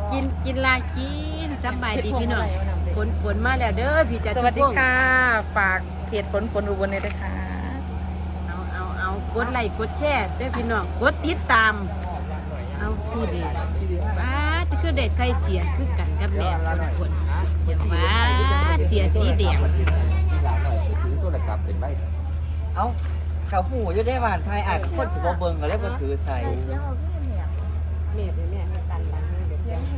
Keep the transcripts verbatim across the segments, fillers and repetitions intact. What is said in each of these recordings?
กินกินลากินสบายดีพี่น้องฝนฝนมาแล้วเด้อพี่จัดสวัสดีค่ะฝากเพจฝนฝนอุบลเลยนะคะเอาเอาเอากดไลค์กดแชร์เด้อพี่น้องกดติดตามเอาพี่เด็กป้าจะคือได้ใส่เสียคือกันกับแม่ฝนฝนอย่างว่าเสียสีแดงหลานหน่อยถือโทรศัพท์เป็นใบเอ้าเขาหูอยู่ได้บ้านไทยอาจคนสิบ่เบิ่งก็เลยบ่ถือใส่แม่เป็นแม่ตันหลังเด็ก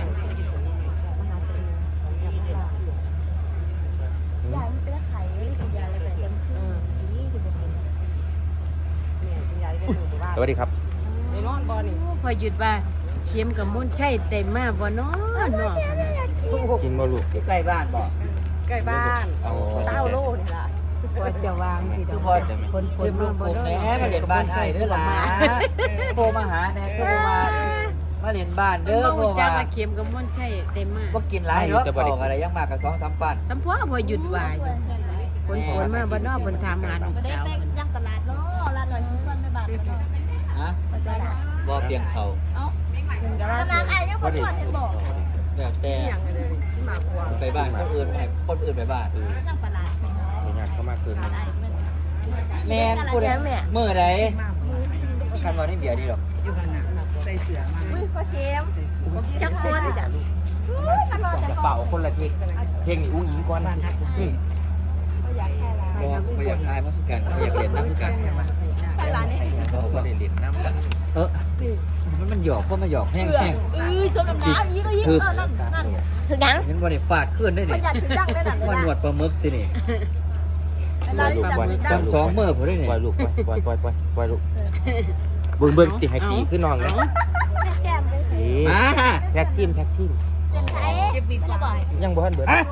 ยายมันเป็นไข่ไม่ได้กินยาอะไรแต่ยังคือนี่คือเป็นแม่กินยาได้ดูบ้างสวัสดีครับไปนอนบ่นี่พอหยุดว่าเข็มกับมุ่นใช่ได้มาบ่เนาะเนาะกินบ่ลูกใกล้บ้านบ่ใกล้บ้านเต้าโลนี่ล่ะพอจะวางสิดอกฝนฝนมาบ่แหเนาะมมาเรียนบ้านไทยเด้อหลานโทรมาหาแน่โทรมามาเรียนบ้านเด้อเด้อโทรจ้ามาว่าเข็มกับมุ่นใช่ได้มาบ่กินหลายเนาะของอะไรยังมากกับสองสามปันสัมพอพอหยุดวายฝนฝนมาบ่เนอกบนทามหาลูกไม่ได้สาวไปยังตลาดเนาะร้านหน่อยซื้อฟันไม่บาทฮะตลาดบ่เพียงเขาเอ้าตลาดไอ้ยังคนสวนเห็นบอกแล้วแต่อย่างเลยที่หมากวัวไปบ้านคนอื่นให้คนอื่นไปบ้านยังตลาดสิมีงานเข้ามาเกินตลาดไอ้มันแม่นพูดมื้อใดคันว่าได้เบียร์ดีดอกอยู่ข้างหน้าใส่เสือมาอุ้ยพ่อเค็มจักคนจ้ะตลอดแต่กระก่อเป๋าน คนละเพลงเพลงนี่อุ้งอิงก่อนอืมอยากแค่ละบ่บ่อยากทายมาคือกันบ่อยากเรียนน้ำคือกันตลาดนี่ก็บ่ได้เรียนน้ำเออมันมันหยอกเพราะมันหยอกแห้งแห้งเอ้ยสมน้ำน้ำอีกก็อีกคือเออนั่นนั่นถึงยังเห็นบ่ได้ฟาดขึ้นได้ปนี่ระหยัดถึงยังได้นั่นมันหนวดปลาหมึกสินี่ร้านที่จับถึงยังจำสองมื้อพุ่นได้นี่ปล่อยลูกปล่อยปล่อยปล่อยปล่อยลูกเบิ่งเบิ่งสิให้ตีขึ้นน้องเลยแก้มเลยนี่มาแท็กทีมแท็กทีมเป็นไทยเก็บปีกว่ายังบ่ทันเบิดอ่ะ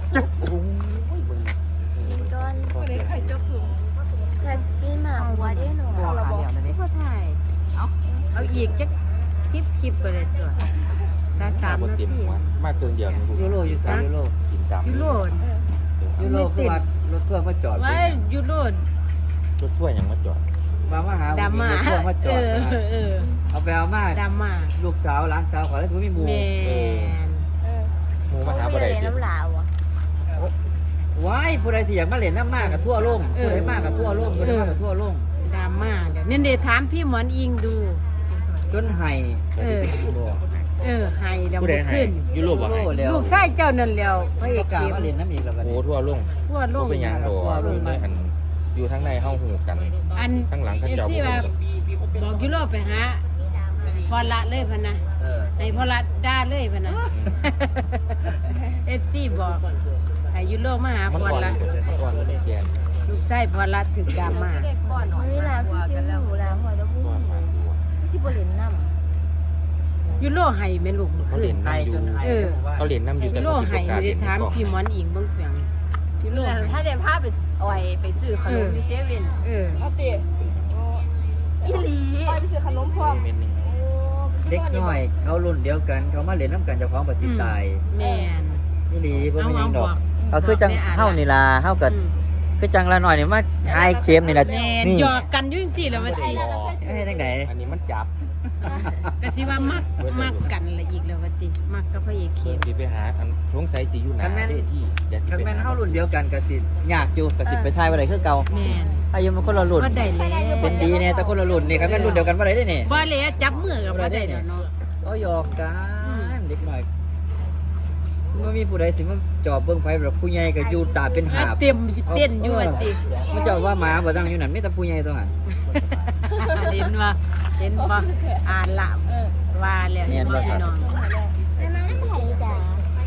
ก้อนแทนกินหมาหัวได้หนูเราบอกพ่อถ่ายเอาเอาอีกจักสิบคลิปก็เลยตัวสามสามบ่นาเต็มทีหัวมากเกินเดียวนึงยูโรอยู่3ยูโรกินตามยูโรยูโรคือว่ารถเครื่องมาจอดว่ายูโรรถถ้วยยังมาจอดมามาหาดราม่ารถเครื่องมาจเออดอเออเอาไปเอามาดราม่าลูกสาวหลานสาวขอแล้วสิบ่มีหมู่แมนหมูมาหาบ่ได้ติน้ำลาวอ่ะว้ายผู้ใดสิอยากมาเล่นน้ำมากกับทั่วโลกผู้ใดมากกับทั่วโลกผู้ใดมากกับทั่วโลกดราม่าเดี๋ยวนี่เดี๋ยวถามพี่หมอนอิงดูจนไห้เออ เออให้แล้วผู้บ่ใดให้ขึ้นยุโรปบ่ให้แล้วลูกชายเจ้านั่นแล้วพระเอก็กกล้าเข็มมาเล่นน้ำอีกแล้วบัดโอ้นี้ทั่วลงทั่วโลบ่กเป็นหยังดอกเลยอันอยู่ทางในเฮาฮู้กันอันข้างหลังเขาเอฟเจ้าซีบ่ว่ารู้บอกยูโรไปหาพอละเลยพะนะเออให้พอละด่าเลยพะนะเอฟซีบอกให้ยูโรมาหามันพอก่อนละมันก่อนเลยแกนลูกชายพอละถึกดราม่านี่แหละพี่ซิมหมูแล้วหัวจะพูดก่อนมาดูพี่ซิบรินน้ำยูโรให้แม่ลูกเมื่อเขาคืเล่นนไห้น้ำอจยู่นไห้เออเขาเล่นน้ำอยู่แต่ยูโรเขาสิให้บ่กล้าไม่เล่ได้นถามก่อนพี่หมอนอิงเบิ่งเสียงยูโรให้ถ้าเดี๋ยวพาไปเอาไว้ไปซื้อขนมที่เซเว่นเออเอาติอีหลีไปซื้อขนมพร้อมเม็ดหนึงเด็กน้อยเขารุ่นเดียวกันเขามาเล่นน้ำกันเจ้าของประสิทธิ์ตายแม่นนี่ดีบ่มีหยังดอกเอาก็คือจังเฮานี่ล่ะเฮาก็อืมคือจังละหน่อยนี่มาอายเค็มนี่ล่ะแม่นนี่หยอกกันอยู่จังซี่แหล้วว่าติให้จังได๋อันนี้มันจับก็สิว่ามักมักกันละอีกแล้วว่าติมักกับพระเอกเข็มสิไปหาอันสงสัยสิอยู่หน้าเวทีเดี๋ยวสิคันไปแม่นหาเฮารุ่นเดียวกันก็สิยากอยู่ก็สิไปทายบ่ได้คือเก่าแม่นอายุมันคนละรุ่นบ่ได้แล้วเป็นดีเนี่ยแต่คนละรุ่นนี่คันแม่นรุ่นเดียวกันบ่ได้เด้นี่บ่แล้วจับมือกับบ่ได้แล้วเนาะก็หยอกกันเด็กน้อยมันมีผู้ใดสิมาจอบเบิ่งไผแบบผู้ใหญ่ก็อยู่ตาเป็นหาบเต็มเต้นอยู่ว่าติมันเจ้าว่าหมาบ่ตั้งอยู่นั่นมีแต่ผู้ใหญ่ตรงนั้นเห็นว่าเห็นบ่อ่านละว่าแล้วเห็นบ่พี่น้องไม่มาได้ไข่จ้ะ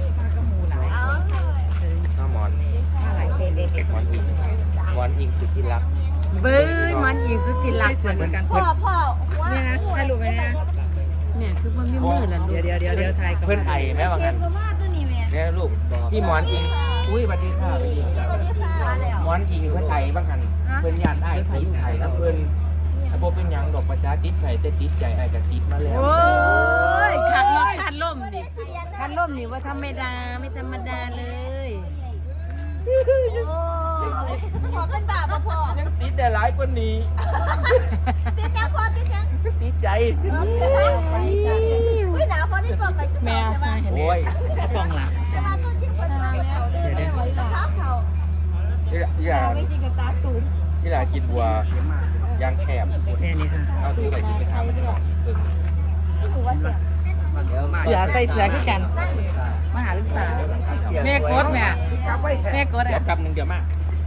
ข้าวหมอนหมอนอิงหมอนอิงสุดที่รักเบ้ยมันอีกสุดที่รักเหมือนกันพ่อพ่อเนี่ยนะถ่ายรูปไว้นะเนี่ยคือมันมีมือละลูเดี๋ยวกเดี๋ยวเดี๋ยวเดี๋ยวถ่ายก่อนเพื่อนไอแม่ว่าเก็งั้บนก็มาตัวนี้แม่เนี่ยลูกพี่หมอนอิงอุ้ยสวัสดีค่ะสวัสดีสวัสดีค่ะแล้วหมอนอิงเพื่อนไอบ้างกันเพื่อนญาติไอไทยอยู่ไทยแล้วเพื่อนถ้าบ่เป็นหยังดอกประชาติดไทยแต่ติดใจไอกับติดมาแล้วโอ้ยขาดลมขาดลมดิขาดลมนี่ว่าธรรมดาไม่ธรรมดาเลยโอ้พ่อเป็นบาปพ่อยังติดได้หลายกว่านี้ติดจังพ่อติดจังติดใจอุ้ยหนาวพ่อที่บอกไปแม่เห็นโอ้ยกล้องหลังแต่ว่าตัวจริงเป็นมาแล้วเดินได้ไว้ล่ะเขานี่นี่ล่ะไม่จริงกับตาตูนนี่ล่ะกินบัวยางแคบแค่นี้ค่ะเอาถุงใส่กินไปทำมันก็เออนี่ถือว่าเสียเสือใส่เสือขึ้นกันมหาศึกษาแม่กดแม่แม่กดเดี๋ยอ่ะวแป๊บนึงเดี๋ยวมา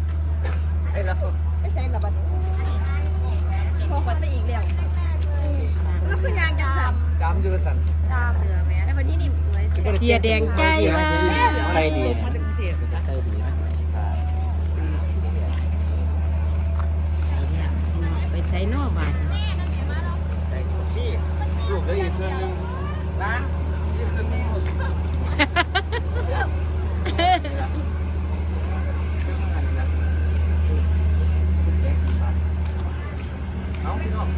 ไม่ใช่ระบาดพอคนไปอีกแล้วแล้วคือยางจะทจำยูสันำเสือแม่แล้ววันนี้นี่สวยเสียแดงใจว่าใส่ดีมาถึงเทพใส่ดีนะไปใส่นอกบาทนี่ลูกเหลยอีกเครื่องนึงนะนี่เครื่องนึงเอาพี่น้อง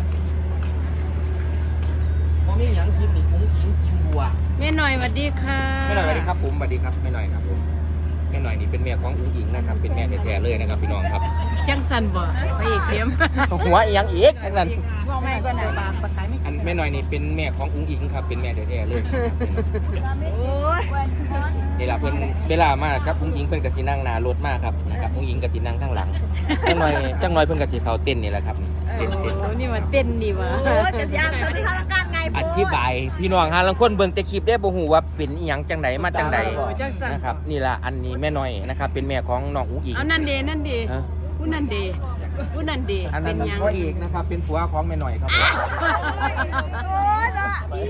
พอมีหยังกินนี่คุ้งกินกินบัวแม่หน่อยสวัสดีค่ะไม่หน่อยสวัสดีครับผมสวัสดีครับไม่หน่อยครับผมแม่หน่อยนี่เป็นแม่ของอุ้งอิงนะครับเป็นแม่แท้ๆเลยนะครับพี่น้องครับจังสันบ่ไปอีกเข็มหัวอีหยังอีกทั้งนั้นพ่อแม่ก็ไหนบางปะไคไม่อันแม่หน่อยนี่เป็นแม่ของอุ้งอิงครับเป็นแม่แท้ๆเลยโอ้ยนี่ล่ะเพิ่นเวลามากับอุ้งอิงเพิ่นก็สินั่งหน้ารถมากครับนะครับอุ้งอิงก็สินั่งข้างหลังจังหน่อยจังหน่อยเพิ่นก็สิเข้าเต้นนี่แหละครับเต้นเต้นโอ้นี่ว่าเต้นนี่วะโอ้ยจะยานเขาที่ทำการไงอธิบายพี่น้องหาลังคนเบิ่งแต่คลิปได้บ่ฮู้ว่าเป็นอีหยังจังไดมาจังไดโอ้จังสันนะครับนี่ล่ะอันนี้แม่น้อยนะครับเป็นแม่ของน้องอุ้งอิงเอานั่นเดนั่นเดฮะผู้นั่นเดผู้นั่นเดอันเป็นั้นนยังพ่อเอกนะครับเป็นผัวของแม่น้อยครับโอ้ยละ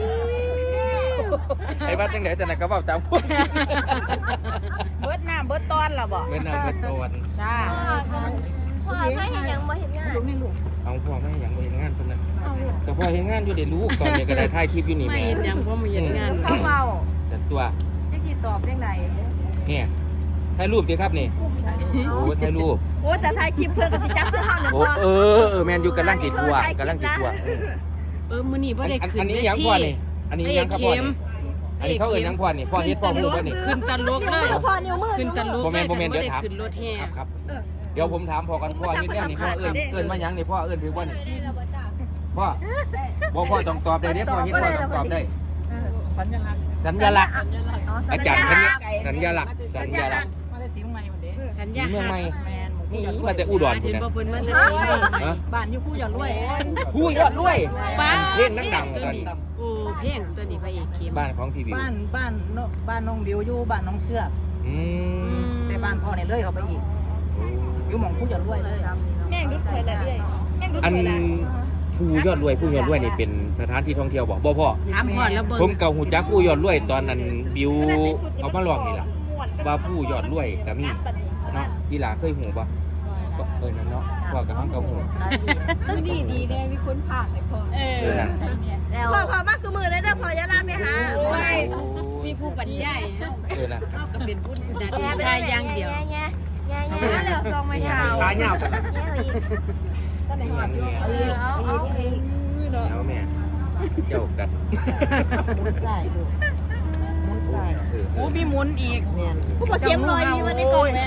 ไอ้ว่าจังไดจังไดก็เว้าตามพูดเบิดน้ำเบิดตอนละบ่เป็นน้ำเป็นตอนจ้าพอไม่เห็นยังไม่เห็นงานเอาพ่อแม่หยังบ่เฮ็ดงานเพิ่นน่ะแต่พ่อเฮ็ดงานอยู่เด้ลูกตอนนี้ก็ได้ถ่ายคลิปอยู่นี่ไม่แม่เห็นยังเพราะมันเห็นงานเขาเบาแต่ตัวจะกี่ตอบยังไงเนี่ยถ่ายรูปดิครับนี่โอ้ถ่ายรูปโอ้แต่ถ่ายคลิปเพื่อนก็จะจับเพื่อนห้องหนึ่งโอ้พอเออเออแมนอยู่กำลังติดทัวร์กำลังติดทัวร์เออมื้อนี้บ่ได้อันขึ้อันนนี้เวยังทีพ่อนี่อันนี้ยังครับพ่อนี่อันนี้เขาเอ่ยยังพ่อนี่พ่อเฮ็ดพ่อมูบ่นี่ขึ้นตะลุกเลยพอนิ้วมือขึ้นตะลุกบ่เลแม่ยนบ่แม่นบ่เดี๋ยวได้ถามขึ้นรถแห่ครับครับเดี๋ยวผมถามพ่อกันพ่อนี่เนี่ยนี่พ่อเอิ้นเอิ้นมายังนี่พ่อเอิ้นถือว่านี่พ่อบ่พ่อต้องตอบได้เด้พ่อเฮ็ดพ่อต้องตอบได้สัญลักษณ์สัญลักษณ์อาจารย์สัญลักษณ์สัญลักษณ์มาได้สีใหม่หมดเด้สัญสีญาเมืองหัใหม่กแมนนี่มาแต่อุดรเห็พุ่นนบ่น่ะเพิ่นมาแต่สีเมืองใหม่ฮะบ้านอยู่คู่อย่ารวยผู้ยอดรวยป้าเพลงดังๆตัวตอนนี้นี้โอ้เพลงตัวนี้พระเอกเข้มบ้านของทีวีบ้านบ้านนบ้านน้องบิวอยู่บ้านน้องเชือกอืมแต่บ้านพ่อเนี่ยเลยเขาไปอีกอยู่หม่องคู่อย่ารวยเลยแม่งดุดเคยแล้วเรื่อยแม่งดุดอันเคยแล้วผู้ยอดรวยผู้ยอดรวยนี่เป็นสถานที่ท่องเที่ยวบ่บ่พ่อถามพอดแล้วเบิ่งผมเก่าหูจักผู้ยอดรวยตอนนั้นบิวเอามาลองนี่ล่ะว่าผู้ยอดรวยก็มีเนาะอีหลาเคยหูบ่ก็เออนั่นเนาะพ่อกับน้องเก่าหูคือดีดีแน่มีคนผ่านเลยพ่อเอเออนั่นพ่อพ่อมาสมือเลยเด้อพ่อยาลาไปหาโอ้ยมีผู้บรรยายเออนะเฮาก็เป็นผู้ดัดได้อย่างเดียวแง่แง่แง่แง่แล้วซองไม่เช้าขาเหยาวกันแง่อีกตั้งแต่หัวอยู่เอาอีกเอาเอาอีกแล้วแม่เจ้ากัดมุนใส่ดูมุนใส่เออเอโอ้อมีมุนอีกแมนผู้ปกเทียมลอยนี่มันในกล่องไหม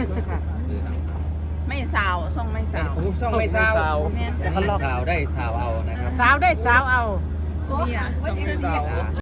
ไม่สาวส่งไม่สาวโอ้ช่องไม่ซาวแต่เขาลอกซาวได้ซาวเอานะครับสาวได้สาวเอาเนี่ยส่งไม่สาว